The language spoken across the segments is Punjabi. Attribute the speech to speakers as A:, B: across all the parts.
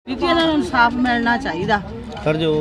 A: ਇਹਨਾਂ ਨੂੰ ਇਨਸਾਫ ਮਿਲਣਾ ਚਾਹੀਦਾ।
B: ਸਰ ਜੋ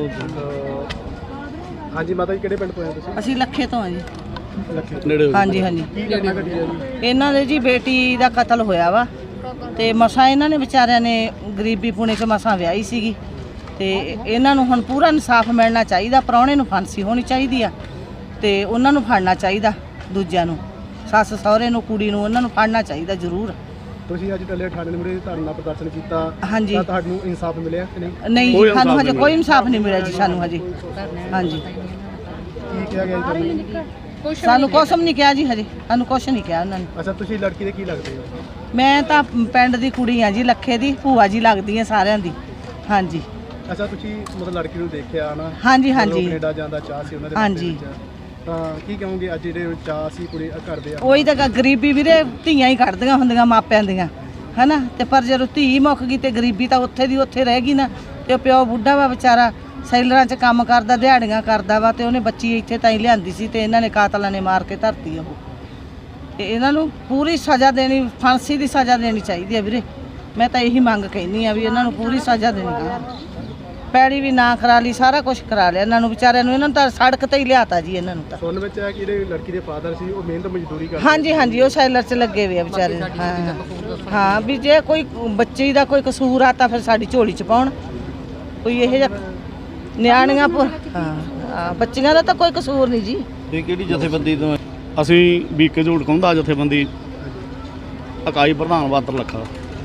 C: ਹਾਂਜੀ ਮਾਤਾ ਜੀ ਕਿਹੜੇ ਪਿੰਡ ਤੋਂ ਆਏ ਤੁਸੀਂ?
A: ਅਸੀਂ ਲੱਖੇ ਤੋਂ ਹਾਂ ਜੀ।
B: ਨੇੜੇ
A: ਹਾਂਜੀ ਹਾਂਜੀ
C: ਕੀ ਘਟਨਾ ਘਟੀ ਹੈ ਜੀ?
A: ਇਹਨਾਂ ਦੇ ਜੀ ਬੇਟੀ ਦਾ ਕਤਲ ਹੋਇਆ ਵਾ ਤੇ ਮਸਾਂ ਇਹਨਾਂ ਨੇ ਵਿਚਾਰਿਆਂ ਨੇ ਗਰੀਬੀ ਪੁਣੇ 'ਚ ਮਸਾਂ ਵਿਆਹੀ ਸੀਗੀ ਤੇ ਇਹਨਾਂ ਨੂੰ ਹੁਣ ਪੂਰਾ ਇਨਸਾਫ ਮਿਲਣਾ ਚਾਹੀਦਾ। ਪ੍ਰਾਹੁਣੇ ਨੂੰ ਫਾਂਸੀ ਹੋਣੀ ਚਾਹੀਦੀ ਆ ਤੇ ਉਹਨਾਂ ਨੂੰ ਫੜਨਾ ਚਾਹੀਦਾ। ਦੂਜਿਆਂ ਨੂੰ ਸੱਸ ਸਹੁਰੇ ਨੂੰ ਕੁੜੀ ਨੂੰ ਉਹਨਾਂ ਨੂੰ ਫੜਨਾ ਚਾਹੀਦਾ ਜ਼ਰੂਰ।
C: ਤੁਸੀਂ ਅੱਜ ਟੱਲੇ ਥਾਣੇ ਦੇ ਮੂਹਰੇ ਧਰਨਾ ਪ੍ਰਦਰਸ਼ਨ ਕੀਤਾ
A: ਹਾਂਜੀ।
C: ਤਾਂ ਤੁਹਾਨੂੰ ਇਨਸਾਫ ਮਿਲਿਆ ਕਿ ਨਹੀਂ?
A: ਨਹੀਂ ਜੀ, ਸਾਨੂੰ ਹਜੇ ਕੋਈ ਇਨਸਾਫ ਨਹੀਂ ਮਿਲਿਆ ਜੀ। ਸਾਨੂੰ ਹਜੇ ਹਾਂਜੀ
C: ਕੀ ਕਿਹਾ ਗਿਆ ਜੀ ਤੁਹਾਨੂੰ?
A: ਸਾਨੂੰ ਕੁਛ ਵੀ ਨਹੀਂ ਕਿਹਾ ਜੀ। ਹਜੇ ਸਾਨੂੰ ਕੁਛ ਨਹੀਂ ਕਿਹਾ ਉਹਨਾਂ ਨੇ।
C: ਅੱਛਾ ਤੁਸੀਂ ਲੜਕੀ ਦੇ ਕੀ ਲੱਗਦੇ ਹੋ?
A: ਮੈਂ ਤਾਂ ਪਿੰਡ ਦੀ ਕੁੜੀ ਆ ਜੀ, ਲੱਖੇ ਦੀ ਭੂਆ ਜੀ ਲੱਗਦੀ ਆ ਸਾਰਿਆਂ ਦੀ। ਹਾਂਜੀ
C: ਅੱਛਾ ਤੁਸੀਂ ਮਤਲਬ ਲੜਕੀ ਨੂੰ ਦੇਖਿਆ ਨਾ?
A: ਹਾਂਜੀ
C: ਮਤਲਬ
A: ਹਾਂਜੀ
C: ਕੈਨੇਡਾ ਜਾਣ ਦਾ ਚਾਹ ਸੀ ਉਹਨਾਂ ਦੇ
A: ਹਾਂਜੀ।
C: ਮਨ ਦੇ ਵਿੱਚ। ਤਾਂ ਕੀ ਕਹੋਗੇ ਅੱਜ ਜਿਹੜੇ ਚਾਹ ਸੀ ਕੁੜੀ ਕਰਦੇ ਆ?
A: ਉਹੀ ਤਾਂ ਗਰੀਬੀ ਵੀਰੇ ਧੀਆਂ ਹੀ ਕੱਢਦੀਆਂ ਹੁੰਦੀਆਂ ਮਾਪਿਆਂ ਦੀਆਂ, ਹਨਾ। ਤੇ ਪਰ ਜਦੋਂ ਧੀ ਮੁੱਕ ਗਈ ਤੇ ਗਰੀਬੀ ਤਾਂ ਉੱਥੇ ਦੀ ਉੱਥੇ ਰਹਿ ਗਈ ਨਾ। ਤੇ ਉਹ ਪਿਓ ਬੁੱਢਾ ਵਾ ਵਿਚਾਰਾ, ਸੈਲਰਾਂ 'ਚ ਕੰਮ ਕਰਦਾ, ਦਿਹਾੜੀਆਂ ਕਰਦਾ ਵਾ ਤੇ ਉਹਨੇ ਬੱਚੀ ਇੱਥੇ ਤਾਂ ਹੀ ਲਿਆਂਦੀ ਸੀ ਤੇ ਇਹਨਾਂ ਨੇ ਕਾਤਲਾਂ ਨੇ ਮਾਰ ਕੇ ਧਰਤੀ ਉਹ। ਤੇ ਇਹਨਾਂ ਨੂੰ ਪੂਰੀ ਸਜ਼ਾ ਦੇਣੀ, ਫਾਂਸੀ ਦੀ ਸਜ਼ਾ ਦੇਣੀ ਚਾਹੀਦੀ ਹੈ ਵੀਰੇ। ਮੈਂ ਤਾਂ ਇਹੀ ਮੰਗ ਕਹਿੰਦੀ ਆ ਵੀ ਇਹਨਾਂ ਨੂੰ ਪੂਰੀ ਸਜ਼ਾ ਦੇਣੀ ਆ। ਪੈੜੀ ਵੀ ਨਾ ਕਰਾ ਲਈ, ਸਾਰਾ ਕੁਝ ਕਰਾ ਲਿਆ ਇਹਨਾਂ ਨੂੰ ਵਿਚਾਰਿਆਂ ਨੂੰ। ਇਹਨਾਂ ਨੂੰ ਤਾਂ ਸੜਕ ਤੇ ਹੀ ਲਿਆਤਾ ਜੀ ਇਹਨਾਂ ਨੂੰ ਤਾਂ।
C: ਸੁਣਨ ਵਿੱਚ ਹੈ ਕਿ ਜਿਹੜੇ ਲੜਕੀ ਦੇ ਫਾਦਰ ਸੀ ਉਹ ਮਿਹਨਤ ਮਜ਼ਦੂਰੀ ਕਰਦੇ।
A: ਹਾਂਜੀ ਹਾਂਜੀ ਉਹ ਸੈਲਰ 'ਚ ਲੱਗੇ ਹੋਏ ਆ ਵਿਚਾਰੇ। ਹਾਂ ਹਾਂ ਵੀ ਜੇ ਕੋਈ ਬੱਚੇ ਦਾ ਕੋਈ ਕਸੂਰ ਆ ਤਾਂ ਫਿਰ ਸਾਡੀ ਝੋਲੀ 'ਚ ਪਾਉਣ। ਕੋਈ ਇਹੋ ਜਿਹਾ ਨਿਆਣੀਆਂ ਹਾਂ ਬੱਚੀਆਂ ਦਾ ਤਾਂ ਕੋਈ ਕਸੂਰ ਨਹੀਂ ਜੀ।
B: ਇਹ ਕਿਹੜੀ ਜਥੇਬੰਦੀ ਤੋਂ? ਅਸੀਂ ਬੀਕੇ ਝੂੜ ਕਹਿੰਦਾ ਜਥੇਬੰਦੀ ਇਕਾਈ ਪ੍ਰਧਾਨ ਬਾਤਰ ਲੱਖਾ।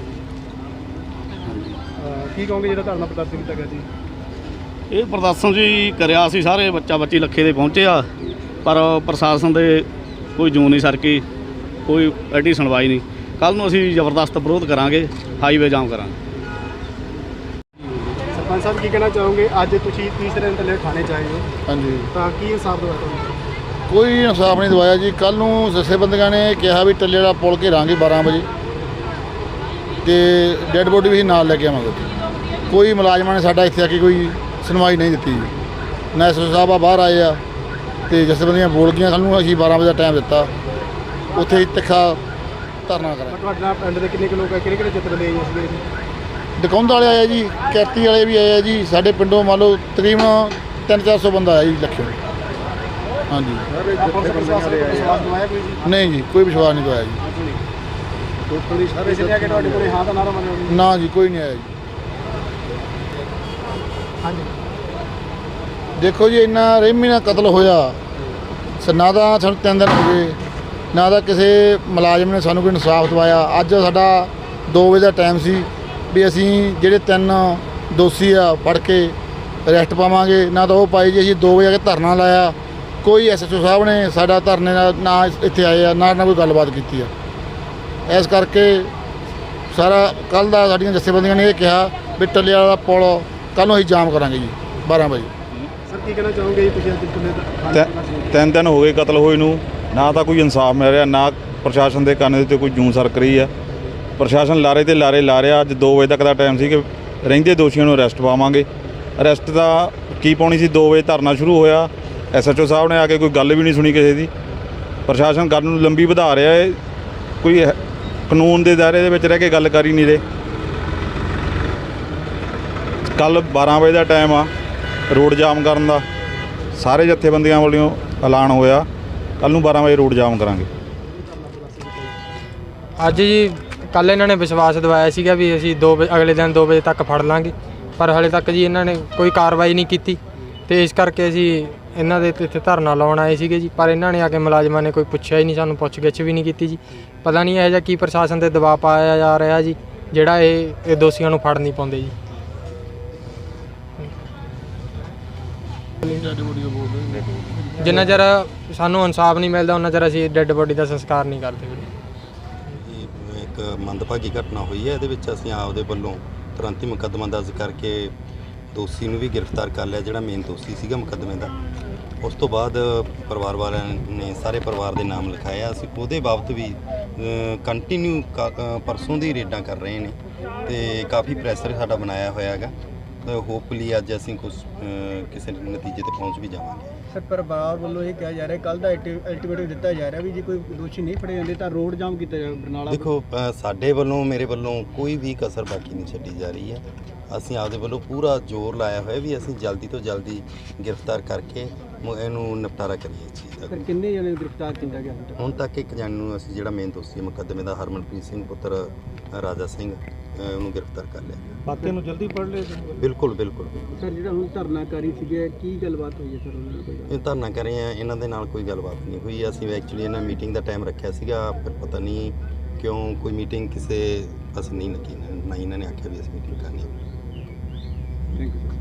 C: ਕੀ ਕਹੋਗੇ ਜਿਹੜਾ ਧਰਨਾ ਪ੍ਰਦਰਸ਼ਨ ਕੀਤਾ ਗਿਆ ਜੀ?
B: ਇਹ ਪ੍ਰਦਰਸ਼ਨ ਜੀ ਕਰਿਆ ਸੀ, ਸਾਰੇ ਬੱਚਾ ਬੱਚੀ ਲੱਖੇ ਦੇ ਪਹੁੰਚੇ ਆ, ਪਰ ਪ੍ਰਸ਼ਾਸਨ ਦੇ ਕੋਈ ਜੂੰ ਨਹੀਂ ਸਰਕੀ, ਕੋਈ ਐਡੀ ਸੁਣਵਾਈ ਨਹੀਂ। ਕੱਲ੍ਹ ਨੂੰ ਅਸੀਂ ਜ਼ਬਰਦਸਤ ਵਿਰੋਧ ਕਰਾਂਗੇ, ਹਾਈਵੇ ਜਾਮ ਕਰਾਂਗੇ।
C: ਸਰਪੰਚ ਸਾਹਿਬ ਕੀ ਕਹਿਣਾ ਚਾਹੋਗੇ? ਅੱਜ ਤੁਸੀਂ ਤੀਸਰੇ ਦਿਨ ਥੱਲੇ ਥਾਣੇ 'ਚ ਆਏ ਹੋ,
D: ਹਾਂਜੀ,
C: ਤਾਂ ਕੀ ਇਨਸਾਫ ਦਵਾਇਆ ਤੁਹਾਨੂੰ?
D: ਕੋਈ ਇਨਸਾਫ ਨਹੀਂ ਦਵਾਇਆ ਜੀ। ਕੱਲ੍ਹ ਨੂੰ ਜਥੇਬੰਦੀਆਂ ਨੇ ਕਿਹਾ ਵੀ ਟੱਲੇ ਵਾਲਾ ਪੁਲ ਘੇਰਾਂਗੇ 12 ਵਜੇ ਤੇ ਡੈੱਡ ਬੋਡੀ ਵੀ ਅਸੀਂ ਨਾਲ ਲੈ ਕੇ ਆਵਾਂਗੇ। ਕੋਈ ਮੁਲਾਜ਼ਮਾਂ ਨੇ ਸਾਡਾ ਇੱਥੇ ਆ ਕੇ ਕੋਈ ਸੁਣਵਾਈ ਨਹੀਂ ਦਿੱਤੀ ਜੀ। ਨਾ ਐਸਓ ਸਾਹਿਬ ਆ ਬਾਹਰ ਆਏ ਆ ਤੇ ਜਥੇਬੰਦੀਆਂ ਬੋਲ ਗਈਆਂ। ਸਾਨੂੰ ਅਸੀਂ 12 ਵਜੇ ਦਾ ਟਾਈਮ ਦਿੱਤਾ, ਉੱਥੇ ਤਿੱਖਾ ਧਰਨਾ ਕਰਾਂਗੇ।
C: ਤੁਹਾਡੇ ਨਾਲ ਪਿੰਡ ਦੇ ਕਿੰਨੇ ਕੁ ਲੋਕ ਹੈ? ਕਿਹੜੇ ਕਿਹੜੇ ਜਥੇਬੰਦੀ ਆਏ ਸੀਗੇ ਜੀ?
D: ਦਕੌਂਦ ਵਾਲੇ ਆਏ ਜੀ, ਕੈਤੀ ਵਾਲੇ ਵੀ ਆਏ ਆ ਜੀ। ਸਾਡੇ ਪਿੰਡੋਂ ਮੰਨ ਲਓ ਤਕਰੀਬਨ 300-400 ਬੰਦਾ ਆਇਆ ਜੀ ਲੱਖੇ। ਹਾਂਜੀ
C: ਵਿਸ਼ਵਾਸ ਦਵਾਇਆ ਕੋਈ ਜੀ?
D: ਨਹੀਂ ਜੀ, ਕੋਈ ਵਿਸ਼ਵਾਸ ਨਹੀਂ ਦਵਾਇਆ ਜੀ।
C: ਕਿਸੇ ਨੇ ਆ ਕੇ ਤੁਹਾਡੇ ਕੋਲੇ ਹਾਂ ਦਾ ਨਾਰਾ ਮਾਰਿਆ ਜੀ?
D: ਨਾ ਜੀ, ਕੋਈ ਨਹੀਂ ਆਇਆ ਜੀ।
C: ਹਾਂਜੀ
D: ਦੇਖੋ ਜੀ, ਇੰਨਾ ਰਹਿਮੀ ਨਾਲ ਕਤਲ ਹੋਇਆ, ਨਾ ਤਾਂ ਸਾਨੂੰ 3 ਦਿਨ ਹੋ ਗਏ, ਨਾ ਤਾਂ ਕਿਸੇ ਮੁਲਾਜ਼ਮ ਨੇ ਸਾਨੂੰ ਕੋਈ ਇਨਸਾਫ ਦਵਾਇਆ। ਅੱਜ ਸਾਡਾ 2 ਵਜੇ ਦਾ ਟਾਈਮ ਸੀ ਵੀ ਅਸੀਂ ਜਿਹੜੇ 3 ਦੋਸ਼ੀ ਆ ਫੜ ਕੇ ਅਰੈਸਟ ਪਾਵਾਂਗੇ, ਨਾ ਤਾਂ ਉਹ ਪਾਈ ਜੀ। ਅਸੀਂ 2 ਵਜੇ ਆ ਕੇ ਧਰਨਾ ਲਾਇਆ, ਕੋਈ ਐਸਐਚਓ ਸਾਹਿਬ ਨੇ ਸਾਡਾ ਧਰਨੇ ਨਾਲ ਨਾ ਇੱਥੇ ਆਏ ਆ, ਨਾ ਕੋਈ ਗੱਲਬਾਤ ਕੀਤੀ ਆ। ਇਸ ਕਰਕੇ ਸਾਰਾ ਕੱਲ੍ਹ ਦਾ ਸਾਡੀਆਂ ਜਥੇਬੰਦੀਆਂ ਨੇ ਇਹ ਕਿਹਾ ਵੀ ਟੱਲੇ ਵਾਲਾ ਪੁਲ ਕੱਲ੍ਹ ਨੂੰ ਅਸੀਂ ਜਾਮ ਕਰਾਂਗੇ ਜੀ 12 ਵਜੇ।
C: ਸਰ ਕੀ ਕਹਿਣਾ ਚਾਹੋਗੇ ਜੀ ਤੁਸੀਂ ਅੱਜ ਕਿੰਨੇ
E: 3 ਦਿਨ ਹੋ ਗਏ ਕਤਲ ਹੋਏ ਨੂੰ, ਨਾ ਤਾਂ ਕੋਈ ਇਨਸਾਫ ਮਿਲ ਰਿਹਾ, ਨਾ ਪ੍ਰਸ਼ਾਸਨ ਦੇ ਕੰਨ ਦੇ ਉੱਤੇ ਕੋਈ ਜੂੰ ਸਰਕ ਰਹੀ ਆ। ਪ੍ਰਸ਼ਾਸਨ ਲਾਰੇ ਤੇ ਲਾਰੇ ਲਾ ਰਿਹਾ। ਅੱਜ 2 ਵਜੇ ਤੱਕ ਦਾ ਟਾਈਮ ਸੀ ਕਿ ਰਹਿੰਦੇ ਦੋਸ਼ੀਆਂ ਨੂੰ ਅਰੈਸਟ ਪਾਵਾਂਗੇ। ਅਰੈਸਟ ਦਾ ਕੀ ਪਾਉਣੀ ਸੀ? 2 ਵਜੇ ਧਰਨਾ ਸ਼ੁਰੂ ਹੋਇਆ, ਐਸਐਚਓ ਸਾਹਿਬ ਨੇ ਆ ਕੇ ਕੋਈ ਗੱਲ ਵੀ ਨਹੀਂ ਸੁਣੀ ਕਿਸੇ ਦੀ। ਪ੍ਰਸ਼ਾਸਨ ਗੱਲ ਨੂੰ ਲੰਬੀ ਵਧਾ ਰਿਹਾ ਹੈ, ਕੋਈ ਕਾਨੂੰਨ ਦੇ ਦਾਇਰੇ ਦੇ ਵਿੱਚ ਰਹਿ ਕੇ ਗੱਲ ਕਰ ਹੀ ਨਹੀਂ ਰਹੇ। ਕੱਲ੍ਹ 12 ਵਜੇ ਦਾ ਟਾਈਮ ਆ ਰੋਡ ਜਾਮ ਕਰਨ ਦਾ, ਸਾਰੇ ਜਥੇਬੰਦੀਆਂ ਵੱਲੋਂ ਐਲਾਨ ਹੋਇਆ ਕੱਲ੍ਹ ਨੂੰ 12 ਵਜੇ ਰੋਡ ਜਾਮ ਕਰਾਂਗੇ।
F: ਅੱਜ ਜੀ ਕੱਲ੍ਹ ਇਹਨਾਂ ਨੇ ਵਿਸ਼ਵਾਸ ਦਿਵਾਇਆ ਸੀਗਾ ਵੀ ਅਸੀਂ ਅਗਲੇ ਦਿਨ 2 ਵਜੇ ਤੱਕ ਫੜ ਲਾਂਗੇ, ਪਰ ਹਾਲੇ ਤੱਕ ਜੀ ਇਹਨਾਂ ਨੇ ਕੋਈ ਕਾਰਵਾਈ ਨਹੀਂ ਕੀਤੀ ਤੇ ਇਸ ਕਰਕੇ ਅਸੀਂ ਇਹਨਾਂ ਦੇ ਇੱਥੇ ਧਰਨਾ ਲਾਉਣ ਆਏ ਸੀਗੇ ਜੀ। ਪਰ ਇਹਨਾਂ ਨੇ ਆ ਕੇ ਮੁਲਾਜ਼ਮਾਂ ਨੇ ਕੋਈ ਪੁੱਛਿਆ ਹੀ ਨਹੀਂ, ਸਾਨੂੰ ਪੁੱਛ ਗਿੱਛ ਵੀ ਨਹੀਂ ਕੀਤੀ ਜੀ। ਪਤਾ ਨਹੀਂ ਇਹੋ ਜਿਹਾ ਕੀ ਪ੍ਰਸ਼ਾਸਨ 'ਤੇ ਦਬਾਅ ਪਾਇਆ ਜਾ ਰਿਹਾ ਜੀ, ਜਿਹੜਾ ਇਹ ਦੋਸ਼ੀਆਂ ਨੂੰ ਫੜ ਨਹੀਂ ਪਾਉਂਦੇ ਜੀ। ਜਿੰਨਾ ਚਿਰ ਸਾਨੂੰ ਇਨਸਾਫ ਨਹੀਂ ਮਿਲਦਾ ਉਹਨਾਂ ਚਿਰ ਅਸੀਂ ਡੈੱਡ ਬੋਡੀ ਦਾ ਸੰਸਕਾਰ ਨਹੀਂ ਕਰਦੇ ਵੀਰੇ।
G: ਇੱਕ ਮੰਦਭਾਗੀ ਘਟਨਾ ਹੋਈ ਹੈ, ਇਹਦੇ ਵਿੱਚ ਅਸੀਂ ਆਪਦੇ ਵੱਲੋਂ ਤੁਰੰਤ ਹੀ ਮੁਕੱਦਮਾ ਦਰਜ ਕਰਕੇ ਦੋਸ਼ੀ ਨੂੰ ਵੀ ਗ੍ਰਿਫਤਾਰ ਕਰ ਲਿਆ, ਜਿਹੜਾ ਮੇਨ ਦੋਸ਼ੀ ਸੀਗਾ ਮੁਕੱਦਮੇ ਦਾ। ਉਸ ਤੋਂ ਬਾਅਦ ਪਰਿਵਾਰ ਵਾਲਿਆਂ ਨੇ ਸਾਰੇ ਪਰਿਵਾਰ ਦੇ ਨਾਮ ਲਿਖਾਇਆ। ਅਸੀਂ ਉਹਦੇ ਬਾਬਤ ਵੀ ਕੰਟੀਨਿਊ ਪਰਸੋਂ ਦੀ ਰੇਡਾਂ ਕਰ ਰਹੇ ਨੇ ਤੇ ਕਾਫੀ ਪ੍ਰੈਸ਼ਰ ਸਾਡਾ ਬਣਾਇਆ ਹੋਇਆ ਹੈਗਾ। ਤਾਂ ਹੋਪਫੁਲੀ ਅੱਜ ਅਸੀਂ ਕੁਝ ਕਿਸੇ ਨਤੀਜੇ ਤੇ ਪਹੁੰਚ ਵੀ ਜਾਵਾਂਗੇ।
C: ਸਰ ਪਰਿਵਾਰ ਵੱਲੋਂ ਇਹ ਕਿਹਾ ਜਾ ਰਿਹਾ, ਕੱਲ੍ਹ ਦਾ ਅਲਟੀਮੇਟਮ ਦਿੱਤਾ ਜਾ ਰਿਹਾ ਵੀ ਜੇ ਕੋਈ ਦੋਸ਼ੀ ਨਹੀਂ ਫੜੇ ਜਾਂਦੇ ਤਾਂ ਰੋਡ ਜਾਮ ਕੀਤਾ ਜਾਵੇ ਬਰਨਾਲਾ।
G: ਦੇਖੋ ਸਾਡੇ ਵੱਲੋਂ ਮੇਰੇ ਵੱਲੋਂ ਕੋਈ ਵੀ ਕਸਰ ਬਾਕੀ ਨਹੀਂ ਛੱਡੀ ਜਾ ਰਹੀ ਹੈ। ਅਸੀਂ ਆਪਦੇ ਵੱਲੋਂ ਪੂਰਾ ਜ਼ੋਰ ਲਾਇਆ ਹੋਇਆ ਵੀ ਅਸੀਂ ਜਲਦੀ ਤੋਂ ਜਲਦੀ ਗ੍ਰਿਫਤਾਰ ਕਰਕੇ ਇਹਨੂੰ ਨਿਪਟਾਰਾ ਕਰੀਏ ਇਸ ਚੀਜ਼ ਦਾ।
C: ਸਰ ਕਿੰਨੇ ਜਣੇ ਨੂੰ ਗ੍ਰਿਫਤਾਰ ਕੀਤਾ ਗਿਆ ਹੁਣ ਤੱਕ?
G: ਹੁਣ ਤੱਕ ਇੱਕ ਜਣੇ ਨੂੰ ਅਸੀਂ ਜਿਹੜਾ ਮੇਨ ਦੋਸ਼ੀ ਮੁਕੱਦਮੇ ਦਾ ਹਰਮਨਪ੍ਰੀਤ ਸਿੰਘ ਪੁੱਤਰ ਰਾਜਾ ਸਿੰਘ ਉਹਨੂੰ ਗ੍ਰਿਫਤਾਰ ਕਰ ਲਿਆ।
C: ਬਾਕੀ ਨੂੰ ਜਲਦੀ ਫੜ ਲਿਆ
G: ਬਿਲਕੁਲ ਬਿਲਕੁਲ
C: ਸਰ। ਜਿਹੜਾ ਹੁਣ ਧਰਨਾਕਾਰੀ ਸੀਗੇ ਕੀ ਗੱਲਬਾਤ ਹੋਈ ਹੈ ਸਰ ਉਹਨਾਂ ਨਾਲ ਕੋਈ?
G: ਇਹ ਧਰਨਾ ਕਰ ਰਹੇ ਆ, ਇਹਨਾਂ ਦੇ ਨਾਲ ਕੋਈ ਗੱਲਬਾਤ ਨਹੀਂ ਹੋਈ। ਅਸੀਂ ਐਕਚੁਅਲੀ ਇਹਨਾਂ ਮੀਟਿੰਗ ਦਾ ਟਾਈਮ ਰੱਖਿਆ ਸੀਗਾ, ਪਰ ਪਤਾ ਨਹੀਂ ਕਿਉਂ ਕੋਈ ਮੀਟਿੰਗ ਕਿਸੇ ਅਸੀਂ ਨਹੀਂ ਲੱਗੀ ਨਾ ਹੀ ਇਹਨਾਂ ਨੇ ਆਖਿਆ ਵੀ ਅਸੀਂ ਮੀਟਿੰਗ ਕਰਨੀ ਹੈ।
C: Thank you sir.